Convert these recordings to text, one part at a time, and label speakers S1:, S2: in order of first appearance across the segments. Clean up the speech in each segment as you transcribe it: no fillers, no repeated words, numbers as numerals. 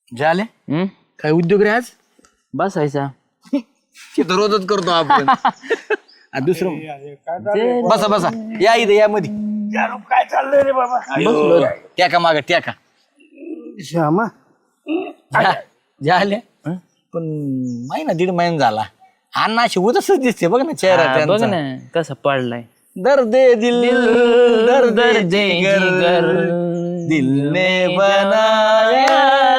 S1: झाले काय उद्योग रे आज
S2: बसायचा
S1: ते तर रोजच करतो आपण दुसरं बसा बसा या इथं या मध्ये
S3: काय चाललंय रे बाबा?
S1: बसलो ट्याका माग ट्याका
S3: श्यामा
S1: झाले पण महिना दीड महिना झाला अण्णा अशी उदासच दिसते बघ ना चेहरा
S2: बघ
S1: त्यांचा.
S2: ना कसा पडलाय
S1: दर्द दिल दर्द जिगर दिल ने बनाया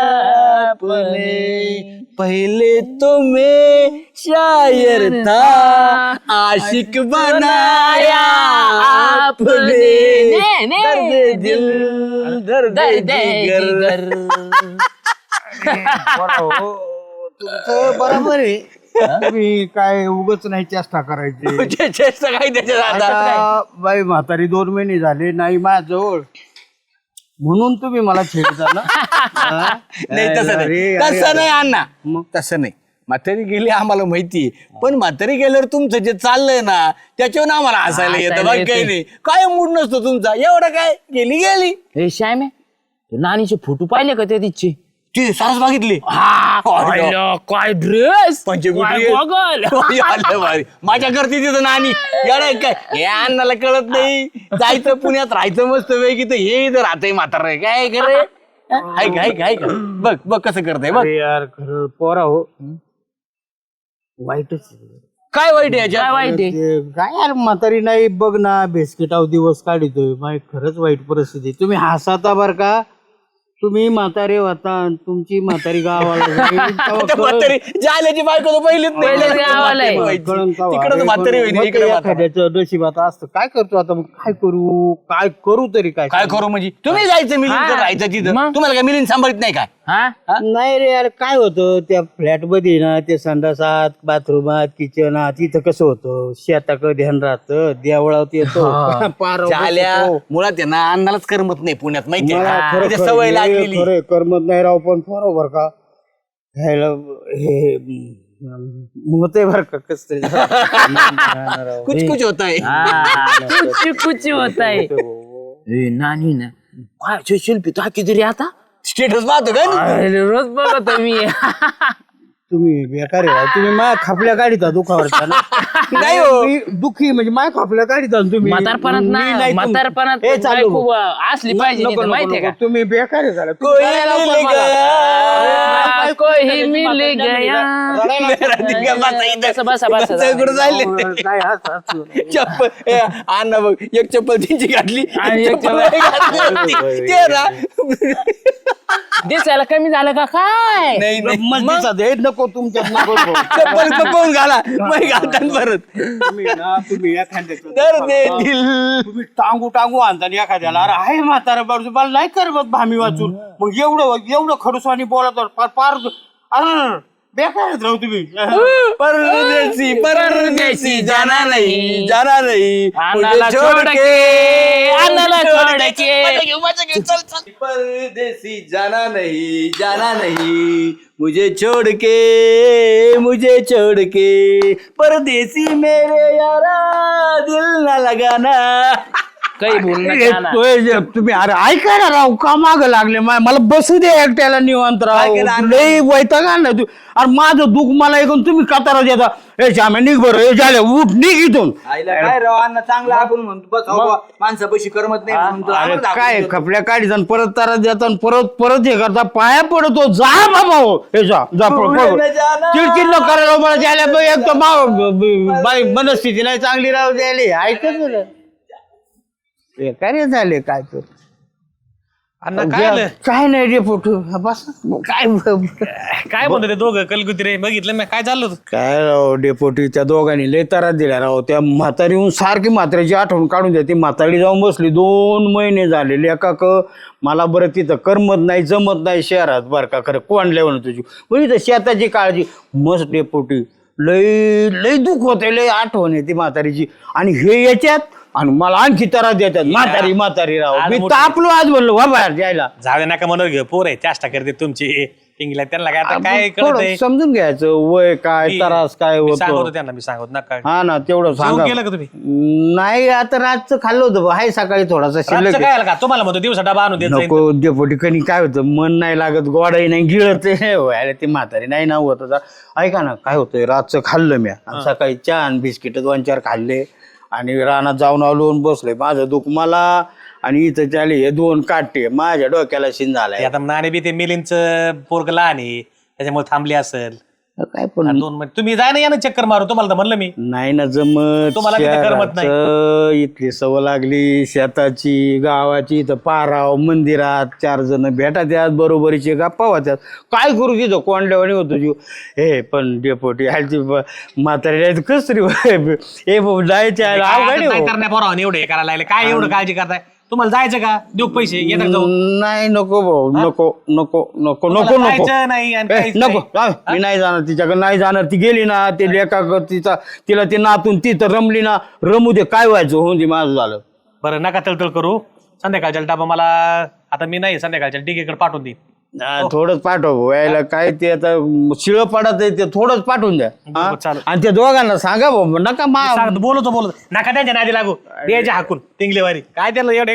S1: अपने पहले तो मैं शायर था आशिक बनाया आपने दर्द दिल दर्द जिगर
S3: तुमचं बरोबर आहे. तुम्ही काय उगच नाही चेष्टा करायची.
S1: चेष्टा काय त्याच्यात आता
S3: आता बाई म्हातारी 2 महिने झाले नाही माझ्याजवळ म्हणून तुम्ही मला छेडता ना.
S1: नाही तसं नाही तसं नाही अण्णा मग तसं नाही म्हातारी गेली आम्हाला माहिती पण म्हातारी गेल्यावर तुमचं जे चाललंय ना त्याच्यावर आम्हाला हसायला येतं बघ काही नाही काय मूड नसतो तुमचा एवढं काय गेली गेली
S2: हे श्याम नानीचे फोटो पाहिले का त्या तिचे
S1: ती सारस बघितली
S2: काय ड्रेस
S1: माझ्या करते तिथं नानी एवढं काय हे अण्णाला कळत नाही जायचं पुण्यात राहायचं मस्त पैकी तर हे इथं राहतंय म्हातारं काय करे काय बघ बघ कसं करतंय बघ
S3: अरे यार खरं पोरा हो वाईटच आहे.
S1: काय वाईट आहे याच्यात
S2: काय वाईट आहे
S3: ते काय यार म्हातारी नाही बघ ना बेस्किटाव दिवस काढितोय माय खरंच वाईट परिस्थिती आहे. तुम्ही हसाता बर का तुम्ही म्हातारे होता आणि तुमची म्हातारी गावाला जाईल, तेव्हा
S1: त्या म्हातारी जाल्याची बायको तर पहिलीच नाही
S2: पहिलेच गावाला आहे.
S3: कळण तेव्हा.
S1: तिकडं म्हातारी होईल
S3: मग
S1: इकडे
S3: ते एखाद्याचं नशिबात असतं काय करतो आता मग काय करू तरी काय
S1: काय करू म्हणजे तुम्ही जायचं मिलिंद राहायचं तिथं
S2: मग?
S1: तुम्हाला काय मिलिंद सांभाळत नाही काय
S2: हा
S3: नाही रे यार काय होतं त्या फ्लॅट मध्ये ना ते संडासात बाथरूमात किचनात तिथं कसं होतं शेताकडे ध्यान राहतं देवळात येतो पार
S1: झाल्या मुळात आहे ना अन्नालाच करमत नाही पुण्यात माहिती
S3: मला
S1: आहे
S3: खरं
S1: का?
S3: खरं
S1: सवय
S3: हे
S1: लागलेली
S3: खरं आहे, करमत नाही राव पण बरोबर का घ्यायला हे होते बर का कस तरी
S1: कुछ कुछ होत आहे
S2: कुछ होत आहे नानी ना काय शिल्पी तो किती रे आता
S1: स्टेटस पाहतो का
S2: अरे, रोज बघतो मी
S3: तुम्ही बेकार आहे राव. तुम्ही माझ्या खापल्या काढिता दुखावरचा ना
S1: नाही हो.
S3: मी दुखी म्हणजे माझ्या खापल्या काढिता ना तुम्ही
S2: म्हातारपणात
S3: मी
S2: ना
S3: नाही तुम-
S2: म्हातारपणात
S3: हे चालू
S2: बायको असली पाहिजे नाही तर माहितीये का
S3: तुम्ही बेकार आहे झालं
S1: कोई मिल गया.
S2: कोई मिल गया
S1: राधिका बसा इथं.
S2: बसा, बसा, बसा.
S1: बसा, इकडं जायले.
S3: काय हसू
S1: चप्पल ए, अण्णा बघ एक चप्पल त्यांची घातली
S2: आणि एक
S1: चप्पल घातली होती. ते ना
S2: दिसायला कमी झालं का काय
S1: नाही नाही.
S3: मस्तीचा दे नको तुमच्यात नको
S1: चप्पल कपवून घाला मग घालतात परत
S3: तुम्ही ना तुम्ही एखाद्याचं
S1: तर दे दिल
S3: तुम्ही टांगू आणता एखाद्याला अरे आहे म्हातारा बाजू मला नाही करमत भामी वाचून मग एवढं खडूसानी बोलत पार अरे बेकार आहेत राव तुम्ही
S1: परदेसी परदेसी जाना नहीं जाना नहीं
S2: अन्नाला
S1: मुझे छोड़
S2: छोड़
S1: के
S2: के, अन्नाला छोड़ के.
S1: मजा घेऊ, चल चल परदेसी जाना नहीं मुझे छोड़ के परदेसी मेरे यारा दिल ना लगाना
S2: काही बोलणं
S3: तुम्ही अरे ऐका ना राव का माग लागले मला बसू दे एकट्याला निवांत राव लई वैताग आणला तू अरे माझं दुःख मला ऐकून तुम्ही कतारा देता हे श्याम्या निघ बरं हे झालं उठ निघ इथून
S1: काय राव अण्णा चांगला आपण म्हणतो बस माणसापाशी करमत नाही म्हणून तो
S3: अरे
S1: आम्हाला
S3: काय
S1: दाखवतो.
S3: खपल्या काढीत आणि परत तारा देता आणि परत हे करता पाया पडतो जा बाबा हो हे जा चिडचिड न करायला मला द्यायला बघ, एक तर बाई मनस्थिती नाही चांगली राहू द्यायला ऐकत काय झाले काय तर काय नाही रे फोटो बस काय
S4: काय म्हणतो ते दोघं कलकुत्रे बघितलं मी काय चाललं होतं?
S3: काय राव डेपोटी त्या दोघांनी लय तारा दिल्या राव त्या म्हातारीहून सारखी म्हातारीची आठवण काढून द्या ती म्हातारी जाऊन बसली 2 महिने झालेले एका मला बरं तिथं करमत नाही जमत नाही शहरात बरं का खरं कोण म्हणून तुझी म्हणजे शेताची काळजी मस्त डेपोटी लय लय दुःख होते लय आठवण आहे ती म्हातारीची आणि हे याच्यात आणि मला आणखी त्रास देतात म्हातारी म्हातारी राव
S4: आज
S3: मी
S4: मोठी-
S3: तापलो आज म्हणलो वा बाहेर जायला
S4: जाऊ दे नका म्हणून घेऊ पोर आहे चेष्टा करते तुमची इंग्लिश त्यांना काय आता काय
S3: थोडं
S4: कळत
S3: समजून घ्यायचं वय काय त्रास काय
S4: सांगतो
S3: होतो
S4: त्यांना मी सांगतो नका
S3: हा ना तेवढं सांगा
S4: केलं का तुम्ही
S3: नाही आता रातचं खाल्लं होतं बा. हाय सकाळी थोडासा शिल्लक
S4: रातचं
S3: आहे.
S4: काय आलं का तुम्हाला म्हणतो दिवसा डबा आणून देत जाईन.
S3: नको डेपोटी कणी काय होतं मन नाही लागत गोडाही नाही गिळत व्हायला ते म्हातारी नाही ना होत होता. ऐका ना काय होतंय रातचं खाल्लं मी आणि सकाळी चहा आणि बिस्किट 2-4 खाल्ले आणि रानात जाऊन आलो आणि बसलोय माझं दुःख मला आणि इथं चाले हे 2 काटे माझ्या डोक्याला शिन
S4: ते
S3: झालाय
S4: आता नाणे बी ते मिलिंदचं पोरग लहान आहे त्याच्यामुळे थांबली असेल
S3: काय पण
S4: 2 महिने तुम्ही जाय ना या ना चक्कर मारू तुम्हाला तर म्हणलं मी
S3: नाही ना जमत
S4: तुम्हाला बी ते करमत नाही.
S3: शहराचं इथली सवय लागली शेताची गावाची इथं पाराव मंदिरात 4 जण भेटा त्यात बरोबरीचे गप्पा होत्यात काय करू तिथं कोंडल्यावानी होतो जीव हे पण डेपोटी ह्याची म्हातारी कसरी हे जायचे
S4: नाही करण्या पोरावाने एवढं हे करायला लागले काय एवढं काळजी करताय तुम्हाला जायचं का देऊ पैसे येतात जाऊन
S3: नाही नको भाऊ नको नको नको नको
S4: तुम्हाला
S3: नको
S4: जायचं नाही आणि
S3: ए,
S4: काहीच
S3: नको
S4: नाही.
S3: मी नाही जाणार तिच्याकडे नाही जाणार ती गेली ना ते लेखा तिला ते नातून ती तर रमली ना रमू दे काय व्हायचं होऊन दे माझं झालं
S4: बरं नका तळतळ करू संध्याकाळच्या डबा मला आता मी नाही संध्याकाळच्या डिगेकडे पाठवून देईन
S3: थोडंच पाठव यायला काय ते आता शिळ पडत आहे ते थोडंच पाठवून द्या हा?
S4: चालेल.
S3: आणि त्या दोघांना सांगा भाऊ नका
S4: सांगतो बोलतो नका त्यांच्या नादी लागू द्यायचे हाकून टिंगलेवारी काय त्याला एवढे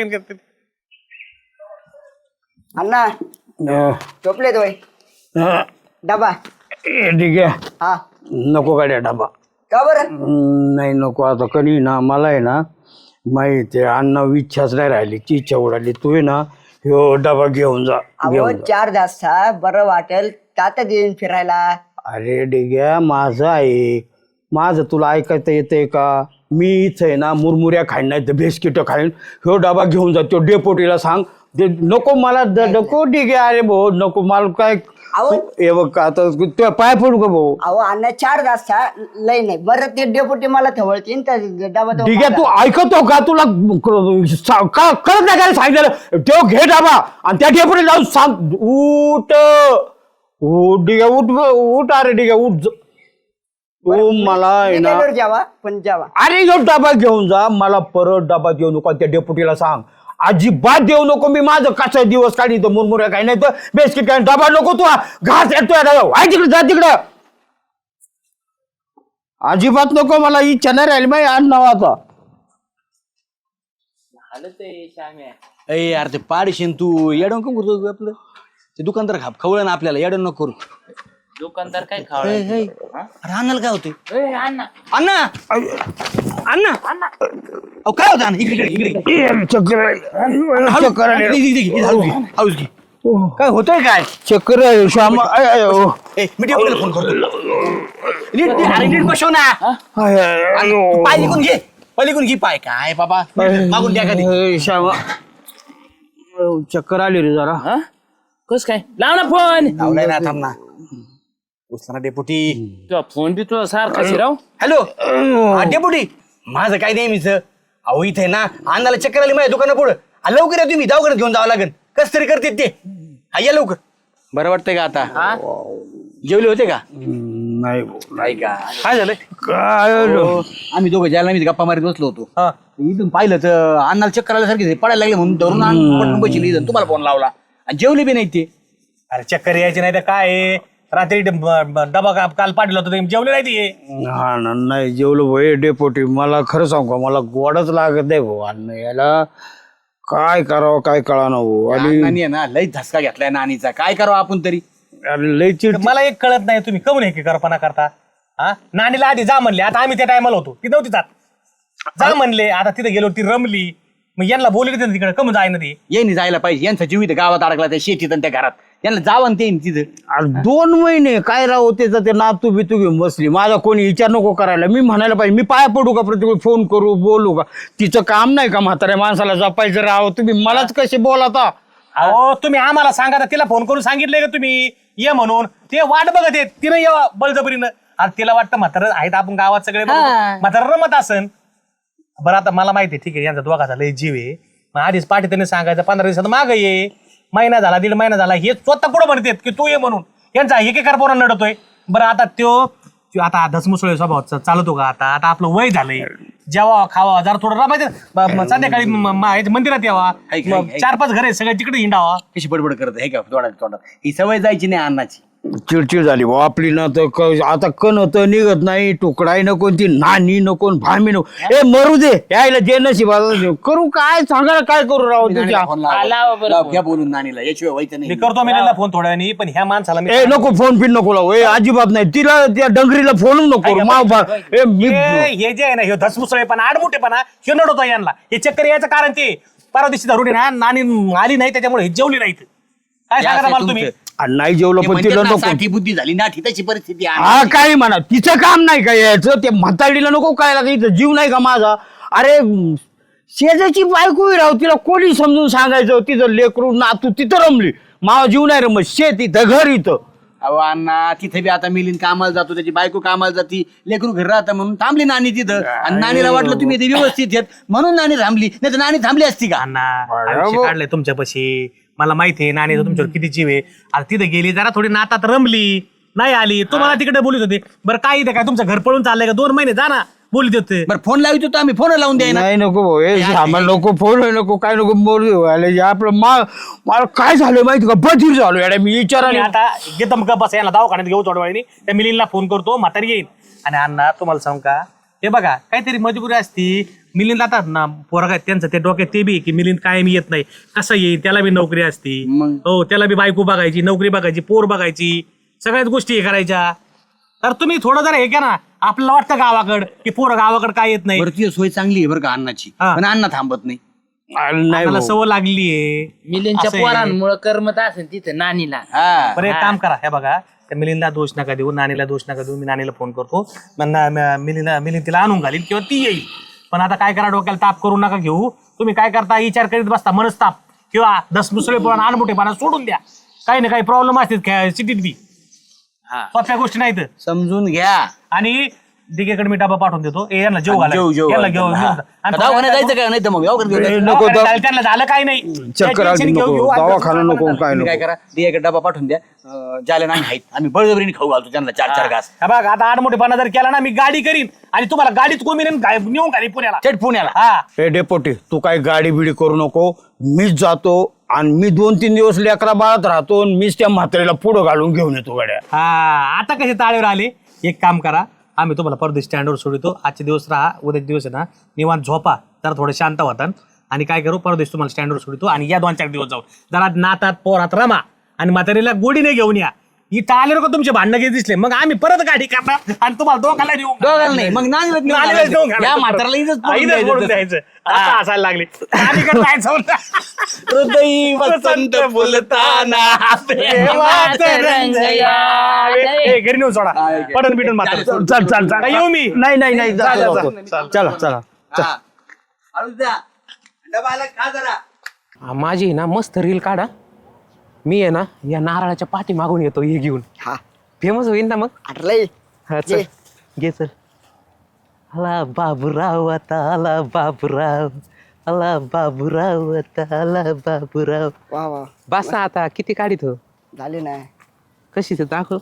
S5: अण्णा झोपले तो डबा
S3: ठीक आहे
S5: हा
S3: नको गाड्या डबा
S5: का बरं
S3: नाही नको आता कधी ना मला आहे ना माहिती आहे अण्णा इच्छाच नाही राहिली ती इच्छा उडाली तू आहे ना ह्यो डबा घेऊन जा
S5: अहो
S3: घेऊन जा
S5: 4 तासा बरं वाटेल तात्या देईन फिरायला
S3: अरे डिग्या माझं ऐक माझं तुला ऐकायचं येतंय का मी इथं आहे ना मुरमुऱ्या खाईन नाही तर बिस्किटं खाईन ह्यो डबा घेऊन जा तो डेपोटीला सांग नको मला नको डिग्या अरे भाऊ नको मला काय
S5: अहो
S3: हे बघ आता तुझ्या पाय पडू का भाऊ
S5: अहो अण्णा 4 तासा लय नाही बरं ते डेपुटी मला ठेवळतीन तर डबा तो
S3: ठीक आहे तू
S5: माझा.
S3: ऐकतो का तुला कळत नाही काय सांगितलं तो घे डाबा आणि त्या ठेपडे जाऊन सांग उठ उठ ठीक आहे उठ अरे ठीक आहे उठ तू मला आहे
S5: मी
S3: ना
S5: गेल्यावर जेवा पण जेवा
S3: अरे जो डबा घेऊन जा मला परत डबा देऊ नको त्या डेपुटीला सांग अजिबात देऊ नको मी माझं कसा दिवस काढी तर मुरमुऱ्या काही नाही तर बिस्किट काय डबा नको तू घास येतोय तिकडे जा तिकडे अजिबात नको मला इच्छा नाही राहिली माहिती आण नावाचा
S1: अय यार ते पाडशीन तू येडून का करतो तू आपलं ते दुकानदार खवळ ना आपल्याला येडून नको करू
S2: दुकानदार काय खावं
S1: अरे अण्णाला काय होते अण्णा अण्णा अहो काय होतं अण्णा इकडे
S3: चक्कर
S1: हळूच घे काय होतंय काय
S3: चक्कर श्याम
S1: ए मी टेबलला फोन करतो नीट बसव ना पाय लिकून घे पलीकडून घे पाय काय बाबा मागून द्या कधी
S3: श्याम चक्कर आली रे जरा
S2: कस काय लाव ना फोन
S1: लावलाय ना थांब ना उचला डेपुटी
S2: फोन बी तुझा सारखा शिराव
S1: हॅलो हा डेपुटी माझं काय नेहमीच अहो इथे ना अण्णाला चक्कर आली माझ्या दुकाना पुढं लवकर या तुम्ही दवाखान्यात घेऊन जावं लागेल कस तरी करते ते हा या लवकर बरं वाटतंय का आता जेवले होते का
S3: नाही
S1: नाही का
S4: काय झालंय
S3: काय
S1: आम्ही दोघं जायला मी गप्पा मारीत बसलो होतो इथून पाहिलं तर अण्णाला चक्कर आल्यासारखे पडायला लागले म्हणून धरून बसली तुम्हाला फोन लावला आणि जेवले बी नाही ते
S4: अरे चक्कर यायची नाही तर काय आहे? रात्री डबा काल पाठवला होता तुम्ही जेवले नाही ते
S3: हा ना नाही जेवलो भाऊ डेपोटी मला खरं सांगू का मला गोडच लागत नाही भाऊ अन्न याला काय करावं काय कळा ना भाऊ आणि
S1: नानी आहे ना लई धसका घेतलाय नानीचा काय करावं आपण तरी
S3: अरे लय चिड
S4: मला एक कळत नाही तुम्ही कमून हे करपणा करता हा नानीला आधी जा म्हणले आता आम्ही त्या टायमाला होतो ती नव्हती जात जा म्हणले आता तिथे गेलो ती रमली मग यांना बोलले तिकडे कमून जाय ना ती
S1: येईन जायला पाहिजे यांचा जीव इथं गावात अडकला त्या शेतीत आणि त्या घरात यांना जावं ते तिथं
S3: अरे 2 महिने काय राहू त्याचं ते नातू बितू घेऊन बसली माझा कोणी विचार नको करायला मी म्हणायला पाहिजे मी पाया पडू का प्रत्येक फोन करू बोलू का तिचं काम नाही का म्हाताऱ्या माणसाला जपायचं राहावं तुम्ही मलाच कसे बोलता
S4: अहो तुम्ही आम्हाला सांगा तिला फोन करून सांगितलंय का तुम्ही ये म्हणून ते वाट बघत येत तिनं ये बळजबरीनं आता तिला वाटतं म्हातारं आहेत आपण गावात सगळे म्हातारं रमत असन बरं आता मला माहिती आहे ठीक आहे यांचा दोघाचा लय जीव आहे मग आधीच पाठी त्यांनी सांगायचं 15 दिवसात माग ये महिना झाला 1.5 महिना झाला हे स्वतः पुढे म्हणतात की तू ये म्हणून यांचा एकेकार पोरांना नडतोय बरं आता त्यो तो आता धसमुसळे स्वभाव चालतो का आता आता आपलं वय झालंय जेव्हा खावा जरा थोडं रमायचं संध्याकाळी मंदिरात यावा
S1: ऐक,
S4: मग
S1: ऐक.
S4: 4-5 घरे सगळे तिकडे हिंडावा.
S1: कशी बडबड करत हे का तोंडात ही सवय जायची नाही अन्नाची.
S3: चिडचिड झाली भाऊ आपली ना तर आता कण होतं निघत नाही, तुकडाही नको, ती नानी नको, भामी नको. ए मरू दे यायला जे नशीब करू काय सांगा काय करू राव तुझ्या.
S1: नानीला फोन लावा.
S2: लावा बरं
S1: लाव,
S2: फोन.
S1: घ्या बोलून नानीला याशिवाय व्हायचं
S4: मी
S1: नाही.
S4: करतो मिलेला फोन थोड्या वेळाने पण ह्या माणसाला मी
S3: ए नको फोन पिन नको लावू. ए अजिबात नाही तिला त्या डंगरीला फोन नको
S4: ऐका,
S3: माव बा. ए मी
S4: हे जे आहे ना हे धसमुसळेपणा आडमुठेपणा हे नडवतो यांना. हे चक्कर यायचं कारण ते परवा दिवशी धरून ना नानी आली नाही त्याच्यामुळे हे जेवली नाहीत. काय
S1: हे
S4: सांगा
S1: असं
S4: मला तुम्ही
S1: तुमचं.
S3: नाही जेवलं
S1: ते
S3: पण
S1: म्हणतात
S3: तिला
S1: ना,
S3: नको.
S1: साठी बुद्धी झाली ना तशी परिस्थिती आहे.
S3: हा काही म्हणा तिचं काम नाही का यायचं ते म्हाताडीला नको काय लागायचं जीव नाही का माझा. अरे शेजाची बायको राव तिला कोणी समजून सांगायचं तिचं लेकरू नातू तिथं रमली मावा जीव नाही रमत शेत इथं घर इथं.
S1: अहो अण्णा तिथे बी आता मिलिंद कामाला जातो त्याची बायको कामाला जाती लेकरू घरी राहतं म्हणून थांबली नानी तिथं. आणि नानीला वाटलं तुम्ही इथे व्यवस्थित येत म्हणून नानी थांबली नाही तर नानी थांबली असती का.
S4: अण्णा आयुष्य काढलंय तुमच्यापाशी मला माहिती आहे नानीचं तुमच्यावर किती जीव आहे. आता तिथे गेली जरा थोडी नातात रमली नाही आली तुम्हाला तिकडे बोलत होते. बरं काय इथे काय तुमचं घर पळून चाललंय का 2 महिने जा ना बोलत होते.
S1: बरं फोन लावित होतो आम्ही फोन लावून द्याय ना.
S3: नाही नको भाऊ हे सामान नको फोन नको काय नको मोरू आपलं मला काय झालं माहिती का बधीर झालो याडा मी
S4: आणि
S3: विचाराने.
S4: आता घेतो मग बस याला दवाखान्यात घेऊ थोड्या वेळाने त्या मिलिंदला फोन करतो म्हातारी येईल. आणि अण्णा तुम्हाला सांग का हे बघा काहीतरी मजबुरी असती. मिलिंद आता ना पोरगा त्यांचं ते डोक्यात ते बी की मिलिंद कायम येत नाही कसं येईल त्याला बी नोकरी असती. हो त्याला बी बायको बघायची नोकरी बघायची पोर बघायची सगळ्याच गोष्टी हे करायच्या. तर तुम्ही थोडं जरा हे घ्या ना आपल्याला वाटतं गावाकड की पोरं गावाकड काय येत नाही.
S1: बरं ती सोय चांगली आहे बरं का अण्णाची
S4: हा.
S1: पण अण्णा थांबत नाही.
S3: नाही
S4: मला
S3: भाऊ.
S4: सवय लागली आहे.
S2: मिलिंदच्या
S4: असं आहे.
S2: पोरांमुळे करमत असेल तिथं नानीला.
S1: हा
S4: बरं एक काम करा हे बघा त्या मिलिंदला दोष नका देऊ नानीला दोष नका देऊ. मी नानीला फोन करतो मिलिंद तिला आणून घालील किंवा ती येईल. पण आता काय करा डोक्याला ताप करू नका घेऊ. तुम्ही काय करता विचार करीत बसता मनस्ताप किंवा धसमुसळेपणा आणमोठेपणा सोडून द्या. काही ना काही प्रॉब्लेम असतील सिटीत बी सोप्या गोष्टी नाहीत.
S1: समजून घ्या.
S4: आणि दिगेकडे मी डबा पाठवून देतो यांना जेव घाला
S1: जेव
S4: याला घेऊन
S1: दवाखान्यात जायचं काय नाही तर मग दवाखान्यात घेऊन जायचं.
S3: नको
S4: त्यांना झालं काही नाही
S3: चक्कर आली
S4: टेन्शन घेऊ,
S3: नको
S4: घेऊ.
S3: दवाखाना नको काय
S1: तुम्ही काय
S3: नको.
S1: करा दियाकडे डबा पाठवून द्या. ज्याला नाही आहेत आम्ही बळजबरीने खाऊ घालतो त्यांना 4-4 घास.
S4: हा बघ आता आडमोठेपणा जर केला ना मी गाडी करीन आणि तुम्हाला गाडीत कोंबीन नेऊन घाली पुण्याला.
S1: थेट पुण्याला.
S4: हा
S3: ए डेपोटी तू काय गाडी बिडी करू नको मीच जातो आणि मी 2-3 दिवस लेकरा बाळात राहतो आणि मीच त्या म्हातारीला पुढं घालून घेऊन येतो गाड्या.
S4: हा आता कसे ताळेवर आले. एक काम करा आम्ही तुम्हाला परदेश स्टँडवर सोडतो. आजचे दिवस राहा उद्याचे दिवस आहे ना निवांत झोपा जरा थोडं शांत होतात. आणि काय करू परदेश तुम्हाला स्टँडवर सोडतो आणि या 2-4 दिवस जाऊ जरा नातात पोरात रमा आणि म्हातारीला गोडीने घेऊन या. इथं आले का तुमचे भांडणं घेत दिसले मग आम्ही परत गाडी करणार आणि तुम्हाला दोघांना देऊ
S1: दोघांना नाही मग नानीलाच नेऊन
S4: नानीलाच
S1: घालायचं.
S4: नेऊन घालायचं.
S1: या म्हाताराला इथंच पडून
S4: इथंच पडून
S1: द्यायचं.
S4: द्यायचं. आता हसायला लागले नानीकडे जायचं म्हणलं.
S1: हृदयी वसंत फुलताना
S2: प्रेमात रंग यावे.
S4: ए, घरी नेऊन सोडा पडन बिटन मात्र
S3: चल चल चल
S4: काय येऊ मी
S3: नाही नाही नाही
S4: जा, जा,
S3: जातो,
S4: जा.
S3: जातो. चला चला
S1: हा. हळूच द्या. डबा आला खा जरा.
S6: माझी ना मस्त रील काढा. मी आहे ना या नारळाच्या पाठी मागून येतो हे घेऊन.
S5: हा
S6: फेमस होईल ना मग.
S5: आटलंय
S6: हा चल घे चल. आला बाबूराव आता आला बाबूराव आला बाबूराव आता आला बाबूराव.
S5: वा वा
S6: बस आता किती काढित हो
S5: झाले ना.
S6: कशी ते दाखव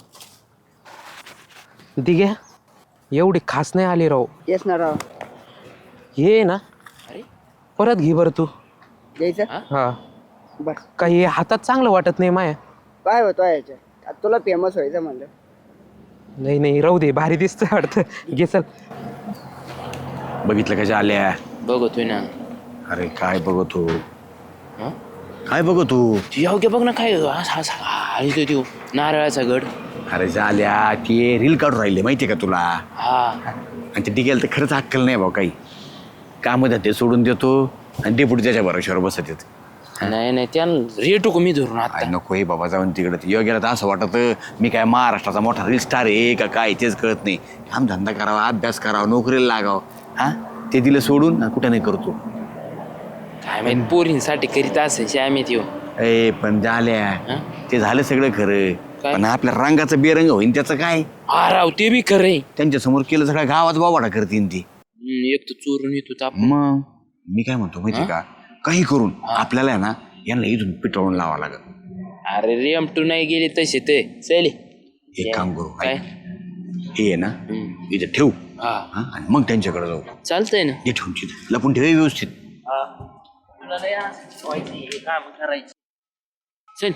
S6: दिघ्या एवढी खास नाही आली राव.
S5: येस ना राव
S6: ये ना परत घे बरं तू.
S5: द्यायचं
S6: हा
S5: बर
S6: काही हातात चांगलं वाटत नाही माया.
S5: काय होतो याच्या आता तुला फेमस व्हायचं म्हणलं.
S6: नाही नाही राहू दे भारी दिसतं वाटतं. घे चल.
S1: बघितलं कशा आल्या.
S2: बघतोय ना
S1: अरे काय बघतो
S2: हा?
S1: काय बघतो.
S2: योग्य बघ ना काय हळीतोय तो नारळाचा गड.
S1: अरे झाल्या ते रील काढून राहिले माहितीये का तुला.
S2: हा
S1: आणि ते डिगेल तर खरंच अक्कल नाही भाऊ काही. काम ते सोडून देतो आणि डेपुटी त्याच्या भरोश्यावर बसत येत.
S2: नाही नाही त्या रेटू मी धरून आता.
S1: काय नको हे बाबा जाऊन तिकडे योग्याला तर असं वाटत मी काय महाराष्ट्राचा मोठा रील स्टार आहे का काय तेच कळत नाही. काम धंदा करावा अभ्यास करावा नोकरीला लागावं. हा ते दिलं सोडून आणि कुठं नाही करतो.
S2: काय माहित पोरींसाठी करीत असेल श्यामी त्यो.
S1: ए पण झाल्या
S2: हा?
S1: ते झालं सगळं खरं
S2: काय?
S1: पण आपल्या रंगाचं बेरंग होईन त्याचं काय.
S2: हा राव ते बी खरंय.
S1: त्यांच्या समोर केलं सगळ्या गावात बावाडा करतीन ती.
S2: एक तर चोरून येतो ताप.
S1: मग मी काय म्हणतो माहिती का काही करून आपल्याला आहे ना यांना इथून पिटवून लावा लागत.
S2: अरे रेम टू नाही गेली तसे ते चल
S1: एक काम करू
S2: काय
S1: ऐक. हे आहे ना इथे ठेवू आणि मग त्यांच्याकडे जाऊ.
S2: चालतंय ना.
S1: हे ठेवून तिथे लपून ठेव व्यवस्थित.
S2: तुला लय असं व्हायचं, हे काम करायचं. चल.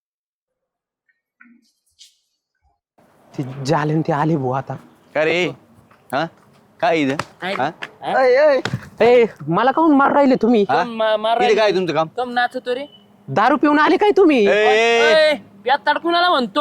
S6: ते जाले ते आले भाऊ आता.
S1: काय रे हा काय इथं हा?
S6: ए मला काहून मार राहिले तुम्ही?
S1: हा?
S2: मार
S1: इथे काय तुमचं काम?
S2: कम नाचतो रे.
S6: दारू पिऊन आले काय तुम्ही?
S2: प्यात कुणाला म्हणतो?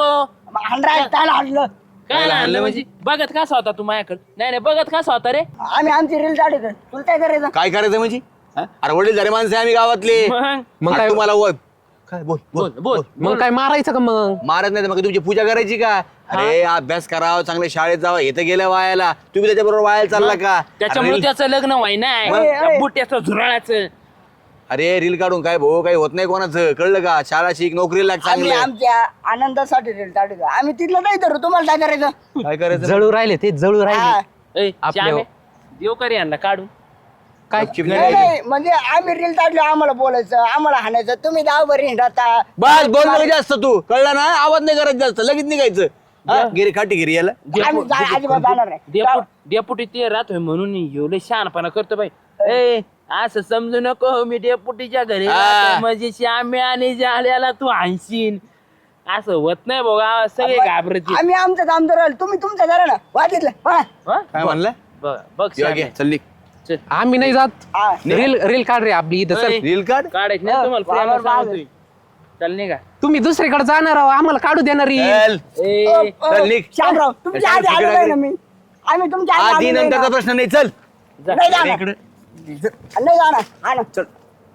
S5: हाणलं
S2: काय आणलं म्हणजे? बघत कसा होता तू माझ्याकडे? नाही बघत कसा होता रे?
S5: आम्ही आमची रील काढतो तुला काय करायचं
S1: काय करायचं म्हणजे हा? अरे वडील झाले माणसं आहे आम्ही गावातले.
S2: मग
S1: आणि
S6: काय?
S1: तुम्हाला काय बोल
S2: बोल बोल.
S6: मग काय मारायचं का मग?
S1: मारत नाही तर मग तुमची पूजा करायची का? अरे अभ्यास करावं चांगल्या शाळेत जावं हे तर गेल्या वायाला. तुम्ही त्याच्या बरोबर वायाला चालला का?
S2: त्याच्यामुळे त्याचं लग्न व्हाय नाही बुट्याचं झुराळाचं.
S1: अरे रील काढून काय भाऊ काही होत नाही कोणाचं कळलं का? शाळा शिक नोकरी लाग
S5: आम्ही
S1: चांगलं.
S5: आमच्या आनंदासाठी रील काढतो आम्ही तिथलं नाही धरू तुम्हाला काय करायचं
S1: काय करायचं
S6: जळू राहिले ते जळू
S5: हा.
S6: राहिले.
S2: ए, श्यामे, देव करी यांना काढून.
S6: काय
S1: गपचीप
S5: नाही
S1: नाही राहायचं.
S5: नाही, म्हणजे आम्ही रील काढलो आम्हाला बोलायचं आम्हाला हाणायचं तुम्ही गावभर हिंडता
S1: बस बोल नको जास्त तू कळलं ना आवाज नाही करायचं जास्त लगेच निघायचं. गिरी खाटी गिरी याला
S5: आम्ही अजिबात जाणार नाही
S2: डेपुटी ते राहतोय म्हणून एवढे शहाणपणा करतो बाई. ए असं समजू नको मी डेपुटीच्या घरी राहतोय म्हणजे श्यामे आणि जाल्याला तू आणशीन असं होत नाही बघा. सगळे घाबरतील.
S5: आम्ही आमचं काम राहिलो तुम्ही तुमचं करा ना वाटितलं
S2: हा?
S1: काय म्हणलं
S2: बघ श्यामे.
S1: चल निघ.
S2: चल.
S6: आम्ही नाही जात.
S5: हा.
S6: रील रील काढ रे आपली इथं. चल.
S2: ए,
S1: रील काढ
S2: काढायचं नाही तुम्हाला प्रेमानं सांगतोय. चल निघा.
S6: तुम्ही दुसरीकडे जाणार आहो आम्हाला काढू देणार रील.
S1: चल
S2: ए
S1: चल निघ.
S5: श्यामराव तुमच्या आधी आलो नाही ना मी आम्ही तुमच्या आधी
S1: आधी
S5: आलो नाही
S1: नंतरचा
S5: ना.
S1: प्रश्न नाही चल
S2: जा.
S5: नाही जाणार
S1: इकडे
S5: नाही जाणार हा ना
S1: चल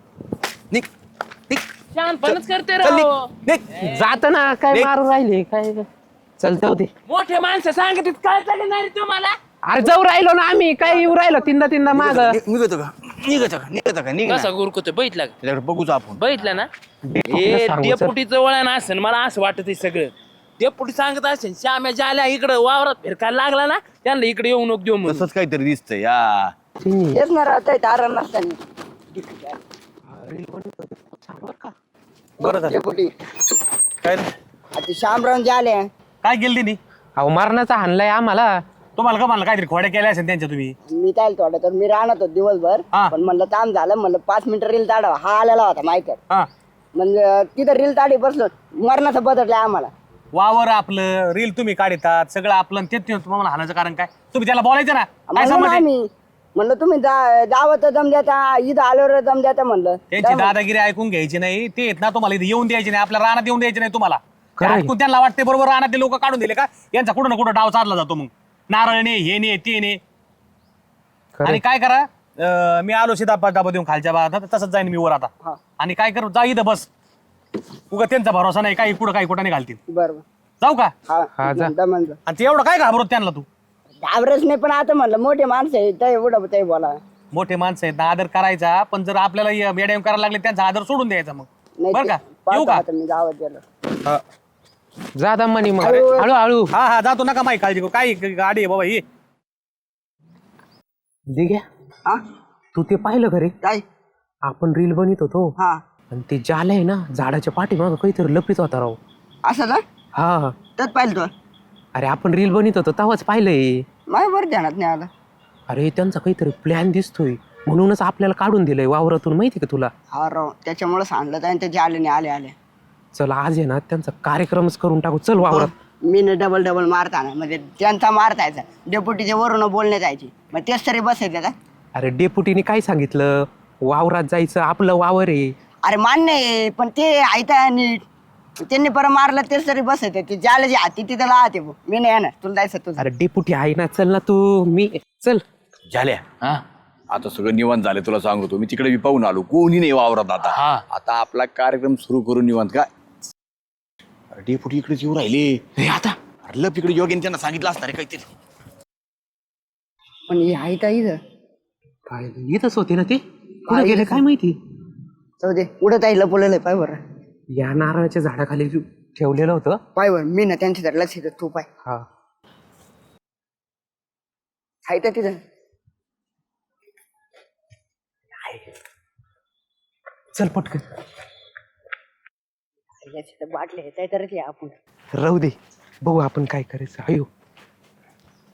S1: निघ निघ
S2: शहाणपणच करते
S1: चल निघ
S2: राव.
S1: निघ.
S6: जात ना काय
S1: निघ.
S6: मारू राहिले काय. चल जाऊ दे.
S2: मोठे माणसं सांगत काय नाही रे तुम्हाला.
S6: अरे जाऊ राहिलो ना आम्ही काय येऊ राहिलो तीनदा माग.
S1: निघतो का निघतो का निघ ना.
S2: कसा गुरकुतोय बघितला का?
S1: त्याच्याकडे बघूच आपण.
S2: बघितलं ना हे
S6: सांगू, सर.
S2: डेपुटीचं वळण असेल मला असं वाटत सगळं. डेपुटी सांगत असेल श्याम्या जाल्या इकडं वावरात फिरकायला लागला ना त्यांना इकडे येऊ नको देऊ म्हणून.
S1: तसंच काहीतरी दिसतंय या
S5: तेच ना राहत तारण नसताना
S4: बरं झालं.
S5: डेपुटी
S4: काय रे?
S5: आता श्यामराव जे आले
S4: काय केलं तिने
S6: अहो मारण्याचा हाणलाय आम्हाला.
S4: तुम्हाला का म्हणलं काहीतरी खोड्या केल्या असेल त्यांच्या तुम्ही.
S5: मी काय थोडं तर मी राहणार होतो दिवसभर
S4: हा.
S5: पण म्हणलं काम झालं म्हणलं 5 मिनिटं रील ताडावा हा आलेला होता माहिती
S4: हा
S5: म्हणजे तिथं रील ताडी बसलो मरणाचं बदललंय आम्हाला
S4: वावर आपलं रील तुम्ही काढतात सगळं आपलं आणि ते तुम्हाला हाणायचं कारण काय? तुम्ही त्याला बोलायचं ना काय
S5: म्हणलं ना
S4: समज आहे?
S5: आम्ही म्हणलं तुम्ही दावत दम द्याता इथं आल्यावर दम द्याता म्हणलं
S4: त्यांची दादागिरी ऐकून घ्यायची नाही ते येत ना तुम्हाला इथे येऊन द्यायची नाही आपल्या रानात येऊन द्यायची नाही तुम्हाला. ते
S6: खरंय.
S4: ऐकून त्यांना वाटते बरोबर रानातले लोक काढून दिले का यांचा कुठं ना कुठं डाव चालला जातो मग नारळ ने हे ने ते ने. आणि काय करा मी आलो सीधा डाबा देऊन खालच्या भागात तसंच जाईन मी वर आता आणि काय करू जा इथं बस उगा त्यांचा भरोसा नाही काही कुठं काही कुठं नाही घालतील.
S5: बरोबर
S4: जाऊ का?
S5: हा दमन
S4: आणि ते एवढं काय घाबरत त्यांना तू?
S5: घाबरच नाही पण आता म्हणलं मोठे माणसं आहे ते एवढं ते बोला
S4: मोठे माणसं आहेत ना आदर करायचा पण जर आपल्याला मॅडम करायला लागले त्यांचा आदर सोडून द्यायचा मग
S5: नाही
S4: बरं का?
S5: ते
S4: येऊ
S5: पाहतो
S4: का?
S5: आता मी गावात गेलो
S6: जा दमानी मग हळूहळू.
S4: हा हा जातो नका माही काळजी करू काय गाडी आहे बाबा ही.
S6: दिघ्या
S5: हा
S6: तू ते पाहिलं घरी
S5: काय
S6: आपण रील बनवत होतो
S5: हा
S6: आणि ते जाले आहे ना झाडाच्या पाठीमागं काहीतरी लपीत होता राव.
S5: असं ना
S6: हा
S5: त्यात पाहिलं तू
S6: अरे आपण रील बनवत होतो तेव्हाच पाहिलंय.
S5: माझ्या बरं ध्यानात नाही आलं
S6: अरे त्यांचा काहीतरी प्लॅन दिसतोय म्हणूनच आपल्याला काढून दिलंय वावरातून माहिती का तुला.
S5: हा राव त्याच्यामुळे सांगलं आणि त्याचे आले नाही आले
S6: चल आज आहे ना त्यांचा कार्यक्रमच करून टाकू. चल वावरात.
S5: मी डबल मारताना म्हणजे त्यांचा मारतायचा डेप्युटीच्या वरून बोलण्यात यायची मग तेच तरी बसायचं का?
S6: अरे डेपुटीने काय सांगितलं वावरात जायचं आपलं वावर आहे.
S5: अरे मान्य आहे पण ते ऐता नीट त्यांनी परत मारलं तेच तरी बसायचं ते ज्याला जे हाती तिथं राहते मी नाही येणार तुला जायचं तुझं.
S6: अरे डेपुटी आहे ना चल ना तू मी चल.
S1: झाल्या
S2: हा
S1: आता सगळं निवांत झालं तुला सांगतो मी तिकडे पाहून आलो कोणी नाही वावरात आता.
S2: हा.
S1: आता आपला कार्यक्रम सुरू करून निवांत काय अरे डेपुटी इकडेच येऊ राहिले
S2: आता
S1: अरे लप इकडे योग्य त्यांना सांगितलं असणार आहे काहीतरी.
S5: पण हे ऐता इथं
S6: काय येतच होते ना ते कुठे गेले काय माहिती.
S5: जाऊ दे उडत आहे लपवलेलं आहे पाय बरं
S6: या नारळाच्या झाडाखाली ठेवलेलं होतं.
S5: पाय बरं मी ना त्यांच्या लक्ष देतो तू पाय
S6: हा
S5: ऐता तिथं
S6: चल पटकन
S5: बाटले येत आहे तर ते आपण
S6: राहू दे बघू आपण काय करायचं. अयो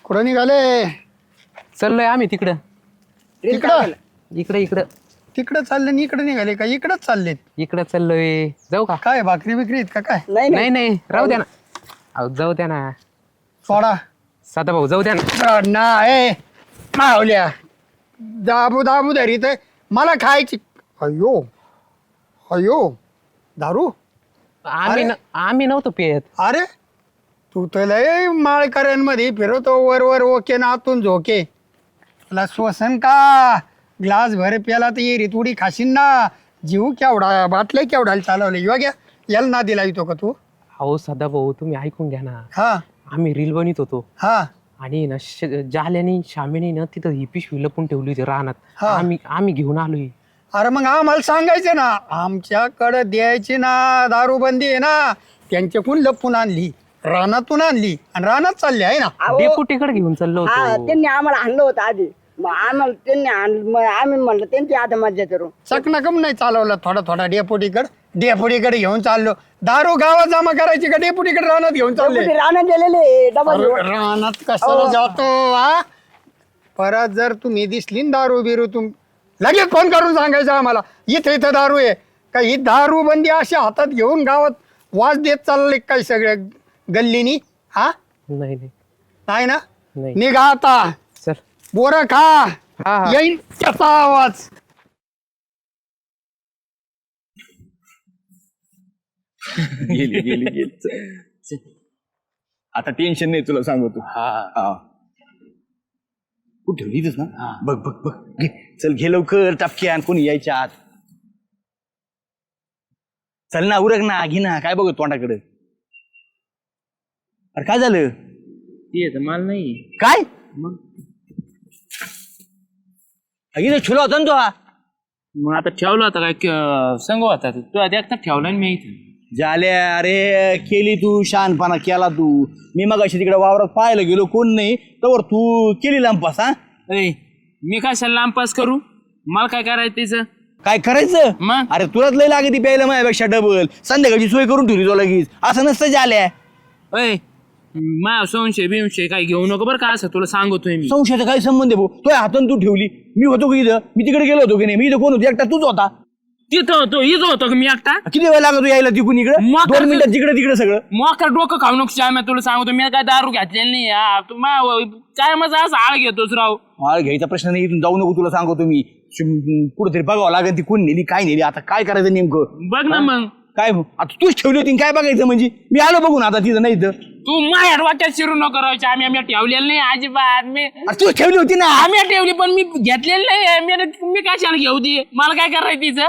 S7: कुठं निघाले?
S6: चाललोय आम्ही तिकडं
S7: तिकडं
S6: इकडं
S7: तिकडं चालले आणि इकडे निघाले का? इकडंच चाललेत.
S6: इकडं चाललोय. जाऊ का?
S7: काय भाकरी बिकरी आहेत का काय?
S6: नाही नाही राहू द्या ना. अहो जाऊ द्या ना
S7: सोडा
S6: साधा भाऊ, जाऊ द्या ना.
S7: नाही मावल्या दाबू दाबू धरीत आहे. मला खायची. अयो अयो दारू.
S6: आम्ही नव्हतो पेत.
S7: अरे तू तर लय माळकऱ्यांमध्ये फिरवतो वर वर ओके ना आतून झोके. तुला श्वसन का ग्लास भर प्याला तर ये रितुडी खाशीन ना. जीव केवढा बाटल्या केवढा चालवले योग्य याला ना दिला येतो का तू?
S6: अहो साधा भाऊ तुम्ही ऐकून घ्या ना.
S7: हा
S6: आम्ही रील बनवत होतो
S7: हा
S6: आणि ना जाल्याने श्यामेने ना तिथं ही पिशवी लपून ठेवली होती रानात.
S7: हा.
S6: आम्ही घेऊन आलोय.
S7: अरे मग आम्हाला सांगायचं ना. आमच्याकडे द्यायची ना दारूबंदी आहे ना. त्यांच्याकडून लपून आणली रानातून आणली आणि रानात चालली आहे ना.
S6: डेपुटीकडे घेऊन चाललो
S5: हा
S6: होतो.
S5: त्यांनी आम्हाला आणलं होतं आधी. मग आम्हाला त्यांनी आणलं मग आम्ही म्हणलं त्यांची आता मज्जा करू.
S7: चकनाकम नाही चालवलं थोडा थोडा डेपुटीकडे घेऊन चाललो. दारू गावात जमा करायची का डेपुटीकडे रानात घेऊन चालले?
S5: डेपुटी रानात गेलेले डबल
S7: अरे, रानात कशाला जातो हा? परत जर तुम्ही दिसली ना दारू बिरू लगेच फोन करून सांगायचं आम्हाला इथं दारू आहे का? ही दारू बंदी अशी हातात घेऊन गावात वाज देत चालले काय सगळ्या गल्लीनी? हा
S6: नाही नाही
S7: नाही ना.
S6: नाही.
S7: निघा आता
S6: चल.
S7: बोरं खा.
S6: हा.
S7: येईल त्याचा आवाज.
S1: गेली आता टेन्शन नाही तुला सांगतो. हा कुठे ठेवली इथंच ना? बघ बघ बघ घे चल घे लवकर टपक्यान कोणी यायच्या आत. चल ना उरक ना घे ना काय बघ तोंडाकडे. अरे काय झालं?
S2: ते मला नाही
S1: काय
S2: मग
S1: इथं छुला होता ना तो हा?
S2: मग आता ठेवला होता काय संग होता तू देखता ठेवला ना मी इथं.
S1: झाल्या अरे केली तू शहाणपणा केला तू. मी मग अशी तिकडे वावरात पाहायला गेलो कोण नाही तर तू केली लांपास. हा
S2: मी कशाला लांबपास करू? मला काय करायचं तिचं?
S1: काय करायचं
S2: मग?
S1: अरे तुलाच लय लागते प्यायला माझ्यापेक्षा डबल. संध्याकाळची सोय करून ठेवली तो लगेच. असं नसतं झाल्या.
S2: अय मा संशय बिंशय काय घेऊ नको बरं का. असं तुला सांगतोय मी.
S1: संशयाचा काय संबंध आहे भाऊ? तो हातून तू ठेवली. मी होतो की इथं? मी तिकडे गेलो होतो की नाही? मी इथं कोण होतो? एकटा तूच होता.
S2: तिथं होतो इथं होतो का मी एकटा?
S1: किती वेळ लागतो यायला तिकून इकडे?
S2: मग
S1: 2 मिनिटात जिकडे तिकडे सगळं.
S2: मोका डोकं खाऊ नको श्याम, तुला सांगतो मी काय दारू घेतलेली नाही. तू काय माझा असं आळ घेतोस राव.
S1: मला घ्यायचा प्रश्न नाही. इथून जाऊ नको तुला सांगतो मी. कुठेतरी बघावं लागेल ती कोण नेली काय नेली. आता काय करायचं नेमकं?
S2: बघ ना मग.
S1: काय आता तूच ठेवली होती काय बघायचं म्हणजे? मी आलो बघून आता तिथं नाही तर.
S2: तू माझ्या वाट्यात शिरू नको राहायची. आम्ही ठेवलेलं नाही अजिबात. मी
S1: तूच ठेवली होती ना.
S2: आम्ही ठेवली पण मी घेतलेलं नाही. मी कशाला घेऊ दे? मला काय करायचं तिचं?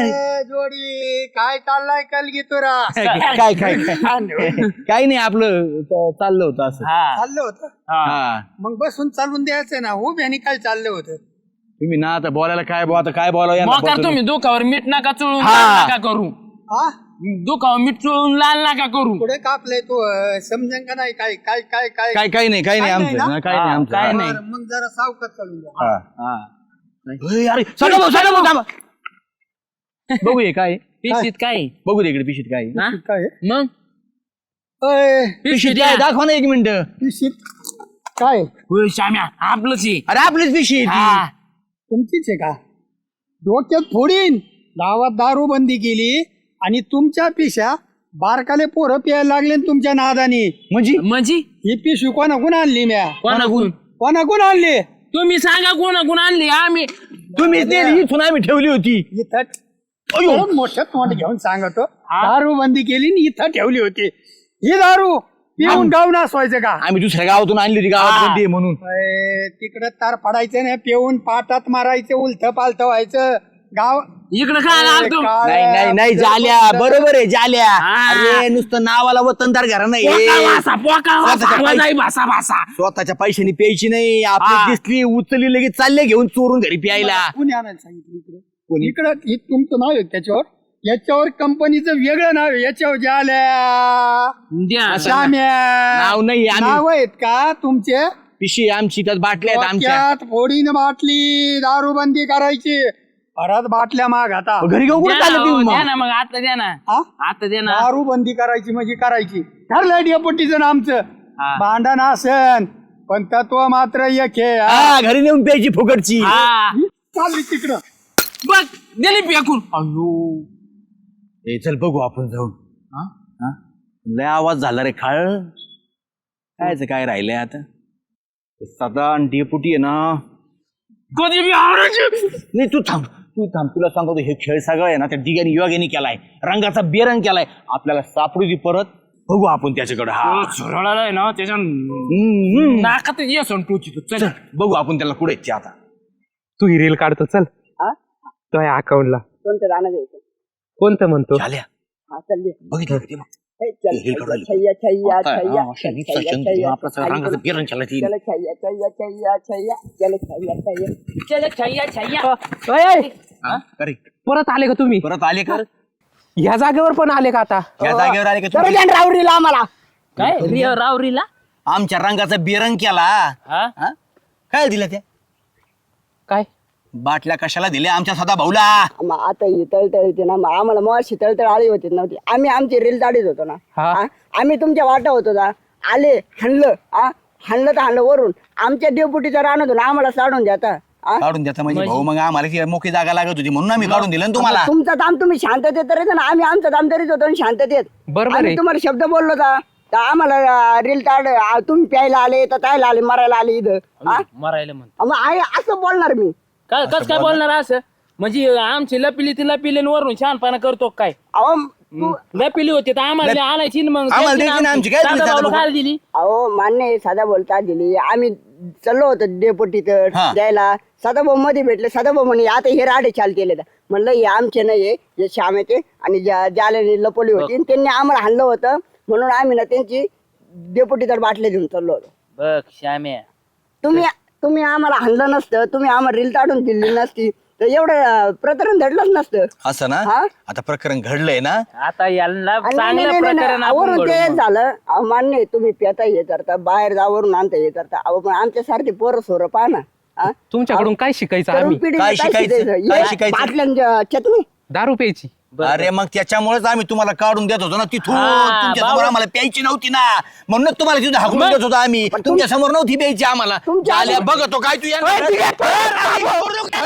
S7: जोडी काय चाललाय कलगी तुरा?
S1: काय काय काही नाही आपलं चाललं होतं असं.
S7: चाललं होतं
S1: हा
S7: मग बसून चालून द्यायचं ना. हो आणि काय चाललं होतं?
S1: तुम्ही ना आता बोलायला काय बोला आता काय बोलावं यांना
S2: मोकार
S1: बसून.
S2: तुम्ही दुखावर मीठ नका चुळून
S1: हा.
S2: लाल नका करू.
S7: हा
S2: दुखावर मीठ चुळून लाल नका करू.
S7: पुढे कापलंय तू समजन का नाही? काय काय काय काय
S1: काय काही नाही काही नाही
S7: काय नाही
S1: आमचं
S7: ना?
S1: काही नाही आमचं.
S2: काय नाही.
S7: बरं, मग जरा सावकाश चालून द्या.
S1: हा, हा. अरे सगळं भाऊ थांबा. बघू हे काय
S2: पिशीत काय?
S1: बघू दे इकडे पिशीत काय
S2: हा?
S7: काय
S2: मग
S7: अय,
S2: पिशीत
S1: काय दाखवा ना 1 मिनिट.
S7: पिशीत काय
S2: होय श्याम्या आपलंच आहे.
S1: अरे आपलीच पिशी आहे ती.
S2: हा.
S7: तुमचीच आहे का? डोक्यात फोडीन. गावात दारू बंदी केली आणि तुमच्या पिशा बारकाले पोरं प्यायला लागले न तुमच्या नादानी.
S2: म्हणजे
S7: ही पिशवी कोणाकून आणली म्या?
S2: कोणाकून?
S7: कोणाकून आणली?
S2: तुम्ही सांगा कोणाकून आणली? आम्ही
S1: तुम्हीच नेली इथून आम्ही ठेवली होती.
S7: इथं परत मोठं तोंड घेऊन सांगतो. दारू बंदी केली आणि इथं ठेवली होती. ही दारू पिऊन गाव नासवायचं का?
S1: आम्ही दुसऱ्या गावातून आणली होती गावात बंदी आहे म्हणून.
S7: तिकडं तार पडायचं नाही. पिऊन पाटात मारायचं उलथ पालथ व्हायचं. गाव
S2: इकडे काय आलतो?
S1: नाही नाही नाही झाल्या बरोबर आहे झाल्या. अरे नुसतं नावाला वतनदार घरा नाही. स्वतःच्या पैशाने प्यायची नाही. आपली दिसली उचलली लगेच चालले घेऊन चोरून घरी प्यायला.
S7: कोणी आणायला सांगितलं इकडं? इकडं हे तुमचं नाव आहे त्याच्यावर. याच्यावर कंपनीचं वेगळं नाव आहे. याच्यावर झाल्या
S2: द्या.
S7: श्याम्या
S1: नाव नाही आम्ही
S7: नाव आहेत का तुमचे?
S1: पिशी आमची त्यात बाटल्या आहेत आमच्या.
S7: डोक्यात फोडीनं बाटली दारू बंदी करायची. परत बाटल्या माग आता
S1: घरी घेऊन कुठे चालले तुम्ही
S2: द्या
S1: मग?
S2: ना मग आता द्या ना.
S7: हा?
S2: आता द्या ना.
S7: दारू बंदी करायची म्हणजे करायची. ठरलं डेपुटीचं आमचं.
S2: हा.
S7: भांडण असन पण तत्व मात्र एक आहे हा.
S1: हा घरी नेऊन प्यायची फुकटची
S2: हा
S7: चालली तिकडं
S2: बघ गेली फेकून अयो
S1: ए चल बघू आपण जाऊन हा? लय आवाज झाला रे खाळ कायच काय राहिलंय आता सदा डेपुटी आहे ना
S2: कधी बी आवरायची.
S1: नाही तू थांब तुला सांगतो हे खेळ सगळं आहे ना त्या डिग्याने युवागेने केलाय रंगाचा बेरंग केलाय आपल्याला सापडू दे परत बघू आपण त्याच्याकडे हा
S2: झुरळालाय ना त्याच्या नाकात ये टोची तू चल
S1: चल बघू आपण त्याला कुठे येते आता
S6: तू ही रील काढतो चल
S5: हा?
S6: तो या अकाउंटला
S5: कोणतं गाणं घ्यायचं
S6: कोणतं म्हणतो
S1: झाल्या
S5: हा चल
S1: बघितलं का ते बघ.
S5: हे चल
S1: हे काढायला.
S5: छैया छैया
S1: आता,
S5: छैया
S1: हा, अशा नीट
S5: छैया,
S1: सचन
S5: छैया,
S1: आपलं सगळं रंगाचं बेरंग केलाय ती.
S5: चल छैया छैया छैया छैया चल छैया छैया
S2: चल छय्या छय्या
S1: हा? अरे
S6: परत आले का तुम्ही
S1: परत आले का
S6: ह्या जागेवर पण आले का आता
S1: या जागेवर आले का
S5: तर
S1: तुम्ही?
S5: द्या ना रावरीला आम्हाला
S2: काय रिया रावरीला
S1: आमच्या रंगाचा बेरंग केला
S2: हा
S1: हा? काय दिलं त्या
S6: काय
S1: बाटल्या कशाला दिल्या आमच्या सदा भाऊला
S5: मग आता ही तळतळ येते ना मग आम्हाला मग तळतळ आली होती नव्हती आम्ही आमची रील दाढीत होतो ना
S6: हा.
S5: हा? आम्ही तुमच्या वाटा होतो ना आले हाणलं हाणलं तर हाणलं वरून आमच्या डेपुटीचा रान होतो ना आम्हाला साडून द्याता हा?
S1: काढून द्याचा म्हणजे भाऊ मग आम्हाला ती मोठी जागा लागत होती म्हणून आम्ही काढून दिलं ना तुम्हाला
S5: तुमचा दाम तुम्ही शांततेत तर ना आम्ही आमचा दाम तरीच होतो आणि शांततेत
S6: बरोबर
S5: आम्ही
S6: आहे.
S5: तुम्हाला शब्द बोललो का तर आम्हाला रील ताड तुम्ही प्यायला आले तर तायला आले मरायला आले इथं हा?
S2: मरायला म्हण
S5: मग आहे असं बोलणार मी
S2: काय कस काय बोलणार असं म्हणजे आमची लपिली ती लपिली आणि वरून छानपणा करतो काय
S5: अहो
S2: लपिली होती तर आम्हाला आणायची ना मग
S1: आम्हाला
S2: द्यायची
S1: द्यायची ना
S2: ना
S1: आमची. काय
S2: साधा
S1: दिली
S2: भाऊला
S1: साधा
S2: काय दिली
S5: अहो मान्य आहे, साधा बोलता दिली आम्ही चाललो होतो डेपोटी तर
S1: हा.
S5: द्यायला सदाभाऊ मध्ये भेटले सदाभाऊ म्हणे आता हे राडे चाल केले म्हणलं हे आमचे नाही हे श्यामेचे आणि ज्याला लपवली होती आणि त्यांनी आम्हाला हाणलं होतं म्हणून आम्ही ना त्यांची डेपोटी तर बाटले घेऊन चाललो होतो
S2: बघ श्याम्या
S5: तुम्ही आम्हाला हाणलं नसतं तुम्ही आम्हाला रील ताडून दिली नसती तर एवढं प्रकरण घडलंच नसतं
S1: असं ना
S5: हा?
S1: आता प्रकरण घडलंय ना
S2: आता याला
S5: आणि
S2: चांगलं
S5: नाही, नाही,
S2: प्रकरण
S5: नाही,
S2: आपण
S5: वरून
S2: घडवू
S5: ते
S2: मग.
S5: झालं अहो, मान्य आहे, तुम्ही पेता हे करता बाहेर जावरून आणता हे करता अहो पण आमच्यासारखी पोरं सोरं पहा ना हा?
S6: तुमच्याकडून काय शिकायचं
S5: तरुण
S6: आम्ही
S5: पिढीला
S1: काय
S5: काय
S1: शिकायचं?
S5: शिकायचं?
S1: काय
S5: हे
S1: शिकायचं?
S5: बाटल्यांच्या चटणी
S6: दारू प्यायची
S1: अरे मग त्याच्यामुळेच आम्ही तुम्हाला काढून देत होतो ना तिथून
S2: हा,
S1: तुमच्या समोर
S2: बाबा.
S1: आम्हाला प्यायची नव्हती ना म्हणूनच तुम्हाला तिथं हाकलून देत होतो आम्ही तुमच्या समोर नव्हती प्यायची आम्हाला
S5: तुमच्या-
S1: आल्या बघतो काय तू या